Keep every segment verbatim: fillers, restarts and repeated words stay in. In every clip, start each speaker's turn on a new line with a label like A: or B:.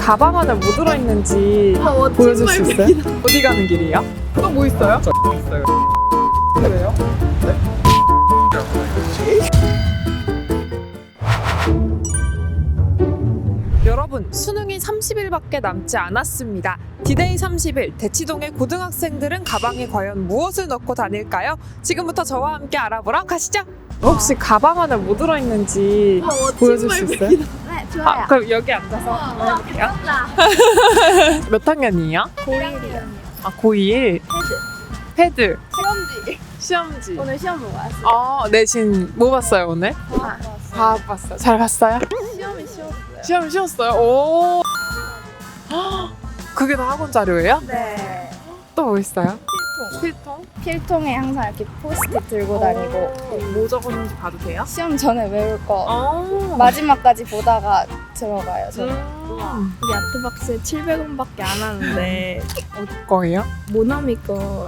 A: 가방 안에 뭐 들어있는지
B: 아, 멋진
A: 보여줄 수 있어요?
B: 발명이다.
A: 어디 가는 길이에요? 또 뭐 있어요?
C: 저 있어요.
A: 그래요? 여러분, 수능이 삼십 일밖에 남지 않았습니다. 디데이 삼십 일, 대치동의 고등학생들은 가방에 과연 무엇을 넣고 다닐까요? 지금부터 저와 함께 알아보러 가시죠. 혹시 가방 안에 뭐 들어있는지
B: 아, 멋진
A: 보여줄 수 있어요?
B: 발명이다.
D: 네, 좋아요.
A: 아, 그럼 여기 앉아서 한번 해볼게요. 몇 학년이에요?
D: 고일이요.
A: 아, 고일.
D: 헤드.
A: 패드.
D: 시험지.
A: 시험지.
D: 오늘 시험 보고 왔어요.
A: 아, 내신 뭐 봤어요, 오늘?
D: 아,
A: 과학 봤어요. 잘 봤어요?
D: 시험이 쉬웠어요.
A: 시험 쉬웠어요? 오. 헉, 그게 다 학원 자료예요?
D: 네.
A: 또 뭐 있어요?
D: 필통.
A: 필통?
D: 필통에 항상 이렇게 포스트잇 들고 다니고
A: 오, 뭐 적었는지 봐도 돼요?
D: 시험 전에 외울 거
A: 아.
D: 마지막까지 보다가 들어가요. 저는.
A: 음.
B: 우리 아트박스에 칠백 원밖에 안 하는데
A: 어디 거예요?
B: 모나미 거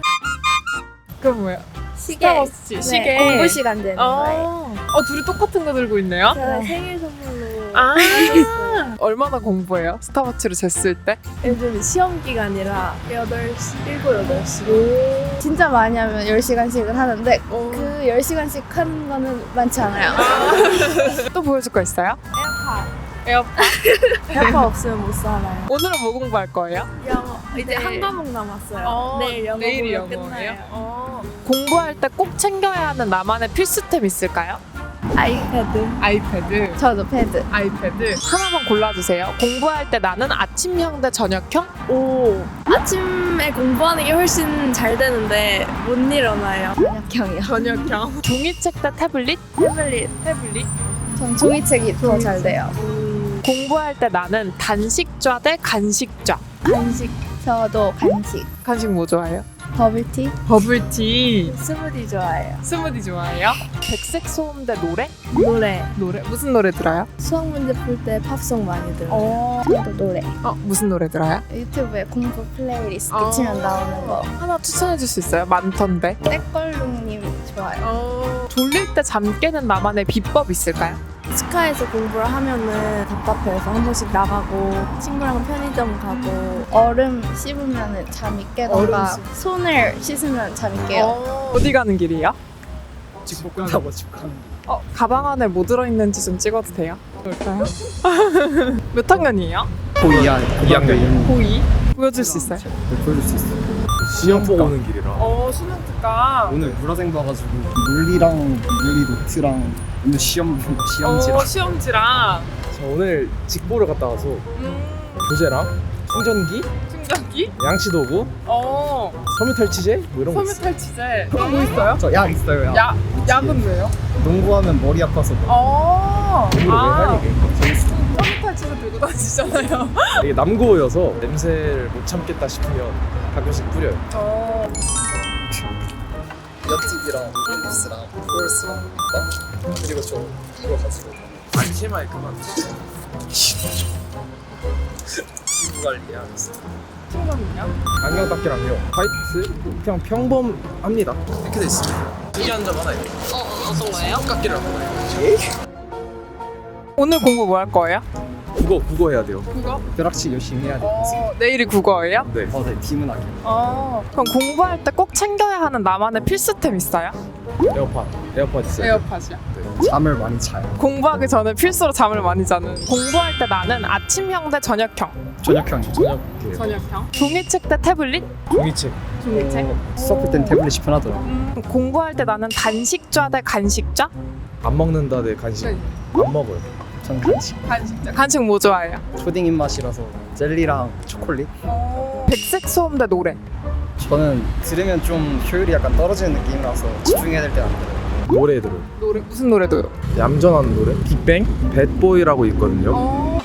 A: 그럼 뭐야?
D: 시계.
A: 스타워치
D: 네,
A: 시계.
D: 공부 시간 되는 거예요.
A: 어, 둘이 똑같은 거 들고 있네요?
B: 제가
D: 네.
B: 생일 선물로
A: 아. 얼마나 공부해요? 스타워치를 쟀을 때?
B: 요즘 시험 기간이라 여덟 시, 일곱, 여덟 시
D: 진짜 많이 하면 열 시간씩은 하는데
A: 오.
D: 그 열 시간씩 하는 거는 많지 않아요.
A: 또 보여줄 거 있어요?
D: 에어팟.
A: 에어팟.
B: 에어팟 없으면 못 살아요.
A: 오늘은 뭐 공부할 거예요?
B: 영어 이제
A: 네.
B: 한 과목 남았어요.
A: 어,
B: 내일 영어
A: 내일이
B: 보면
A: 영어예요?
B: 끝나요.
A: 어. 공부할 때 꼭 챙겨야 하는 나만의 필수템 있을까요?
B: 아이패드.
A: 아이패드.
D: 저도 패드.
A: 아이패드. 하나만 골라주세요. 공부할 때 나는 아침형 대 저녁형?
B: 오 아침에 공부하는 게 훨씬 잘 되는데 못 일어나요.
D: 저녁형이요.
A: 저녁형. 종이책 대 태블릿?
B: 태블릿.
A: 태블릿.
D: 전 종이책이 더 잘 돼요.
A: 공부할 때 나는 단식좌 대 간식좌.
B: 간식.
D: 저도 간식.
A: 간식 뭐 좋아해요?
D: 버블티.
A: 버블티.
B: 스무디 좋아해요.
A: 스무디 좋아해요? 백색 소음 대 노래?
B: 노래.
A: 노래. 무슨 노래 들어요?
B: 수학 문제 풀 때 팝송 많이 들어요.
A: 어.
D: 저도 노래.
A: 어, 무슨 노래 들어요?
D: 유튜브에 공부 플레이리스트
A: 아.
D: 치면 나오는 거.
A: 하나 추천해 줄 수 있어요? 많던데.
D: 떼걸룩님 좋아요.
A: 어. 졸릴 때 잠 깨는 나만의 비법 있을까요?
B: 치과에서 공부를 하면은 답답해서 한 번씩 나가고 친구랑 편의점 가고
D: 얼음 씹으면 잠이 깨던가
A: 얼음
D: 손을 씻으면 잠이 깨요.
A: 어. 어디 가는 길이요?
C: 집 끝나고 집 가는
A: 어, 가방 안에 뭐 들어있는지 좀 찍어도 돼요? 볼까요? 몇 학년이에요?
C: 고이한 이 학년이요.
A: 고이? 보여줄 수 있어요?
C: 보여줄 수 있어요. 시험 보고 오는 길이라.
A: 어, 수능 특강.
C: 오늘 물화생 봐가지고 물리랑 물리 노트랑 오늘 시험 시험지랑.
A: 어, 시험지랑
C: 저 오늘 직보를 갔다 와서
A: 음,
C: 교재랑 충전기,
A: 충전기?
C: 양치 도구,
A: 어,
C: 섬유 탈취제 뭐 이런 거
A: 섬유
C: 있어요.
A: 탈취제. 또 뭐 있어요?
C: 저 약 있어요. 약.
A: 야, 약은 왜요?
C: 농구하면 머리 아파서
A: 어,
C: 몸으로 왜
A: 아,
C: 하니까 재밌어.
A: 섬유 탈취제 들고 다니시잖아요.
C: 이게 남고여서 냄새를 못 참겠다 싶으면 가끔씩 뿌려요.
A: 어,
C: 옆집이랑 앨리스랑 포레스랑 그리고 저 이거 가지고 안심할 그만 피부 관리하고 있어요.
A: 충전이요?
C: 안경 닦기랑요 화이트 그냥 평범합니다. 이렇게 돼 있습니다. 특이한 점 하나 있어요.
A: 어, 어떤 거예요?
C: 깎기라고 해요.
A: 오늘 공부 뭐 할 거예요?
C: 국어 국어 해야 돼요.
A: 국어?
C: 벼락치 열심히 해야 돼요.
A: 어, 내일이 국어예요?
C: 네. 어, 네. 비문학이요.
A: 어, 그럼 공부할 때 꼭 챙겨야 하는 나만의 필수템 있어요?
C: 에어팟. 에어팟 있어요.
A: 에어팟이요?
C: 네. 잠을 많이 자요.
A: 공부하기 전에 필수로 잠을 많이 자는. 공부할 때 나는 아침형 대 저녁형.
C: 저녁형. 저녁이에요.
A: 저녁형. 종이책 대 태블릿?
C: 종이책.
A: 종이책.
C: 어, 수업 볼 땐 태블릿이 편하더라고.
A: 음, 공부할 때 나는 단식좌 대 간식좌?
C: 안 먹는다 내 간식.
A: 네.
C: 안 먹어요. 전 간식.
A: 간식좌. 간식 뭐 좋아해요?
C: 초딩 입맛이라서 젤리랑 초콜릿.
A: 백색 소음 대 노래.
C: 저는 들으면 좀 효율이 약간 떨어지는 느낌이라서 집중해야 될 때 안 들어요. 노래 들어요.
A: 노래 무슨 노래도요?
C: 얌전한 노래. 빅뱅 배드보이라고 있거든요.
A: 어.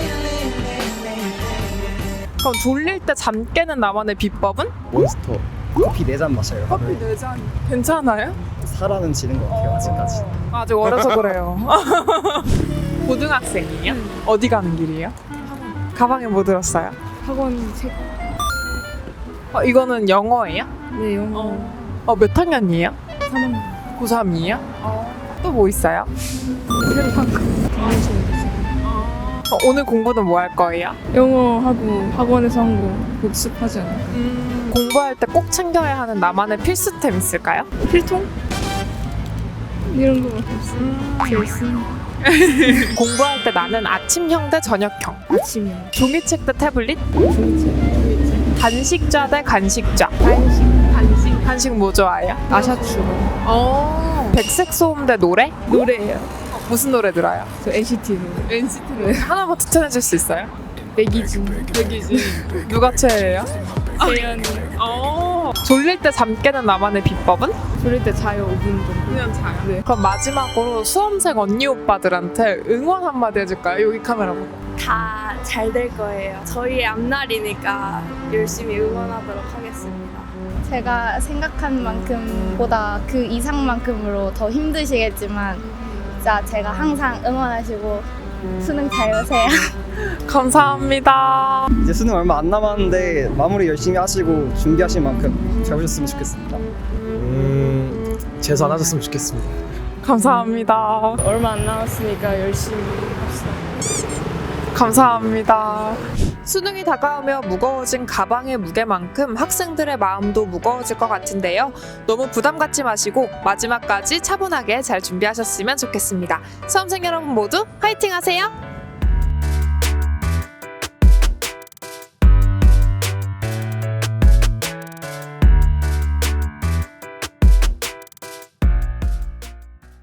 A: 그럼 졸릴 때 잠 깨는 나만의 비법은?
C: 몬스터. 커피 네 잔 마셔요.
A: 커피 네 잔. 괜찮아요?
C: 살아는 지는 것 같아요 아직까지.
A: 아직 어려서 그래요. 고등학생이에요? 어디 가는 길이에요? 가방에 뭐 들었어요?
B: 학원 책.
A: 어, 이거는 영어예요?
B: 네 영어.
A: 어, 몇 학년이에요?
B: 삼 학년.
A: 고삼이에요? 또 뭐 있어요?
B: 테마파크. 강의실.
A: 어, 오늘 공부는 뭐 할 거예요?
B: 영어하고 학원에서 한 거 복습하지 않아요?
A: 음, 공부할 때 꼭 챙겨야 하는 나만의 필수템 있을까요?
B: 필통? 이런 거밖에 없어요.
A: 음,
B: 제일 쓰는 거.
A: 공부할 때 나는 아침형 대 저녁형.
B: 아침이요.
A: 종이책 대 태블릿?
B: 종이책.
A: 간식좌 대 간식좌.
B: 간식. 간식.
A: 간식 뭐 좋아해요?
B: 아샤추.
A: 어. 백색 소음 대 노래?
B: 노래예요.
A: 무슨 노래 들어요?
B: 저 엔시티 노래. 엔시티 노래.
A: 하나만 추천해줄 수 있어요?
B: 백이지. 백이지.
A: 누가 최애예요?
B: 세연이.
A: 어. 졸릴 때 잠 깨는 나만의 비법은?
B: 졸릴 때 자요 오 분 정도.
A: 그냥 자요.
B: 네.
A: 그럼 마지막으로 수험생 언니 오빠들한테 응원 한마디 해줄까요? 여기 카메라 보고.
B: 다 잘 될 거예요. 저희의 앞날이니까 열심히 응원하도록 하겠습니다.
D: 제가 생각한 만큼보다 그 이상만큼으로 더 힘드시겠지만 진짜 제가 항상 응원하시고 수능 잘 보세요.
A: 감사합니다.
E: 이제 수능 얼마 안 남았는데 마무리 열심히 하시고 준비하신 만큼 잘 보셨으면 좋겠습니다.
C: 음, 재수 안 하셨으면 좋겠습니다.
A: 감사합니다.
B: 얼마 안 남았으니까 열심히 합시다.
A: 감사합니다. 수능이 다가오며 무거워진 가방의 무게만큼 학생들의 마음도 무거워질 것 같은데요. 너무 부담 갖지 마시고 마지막까지 차분하게 잘 준비하셨으면 좋겠습니다. 수험생 여러분 모두 화이팅 하세요.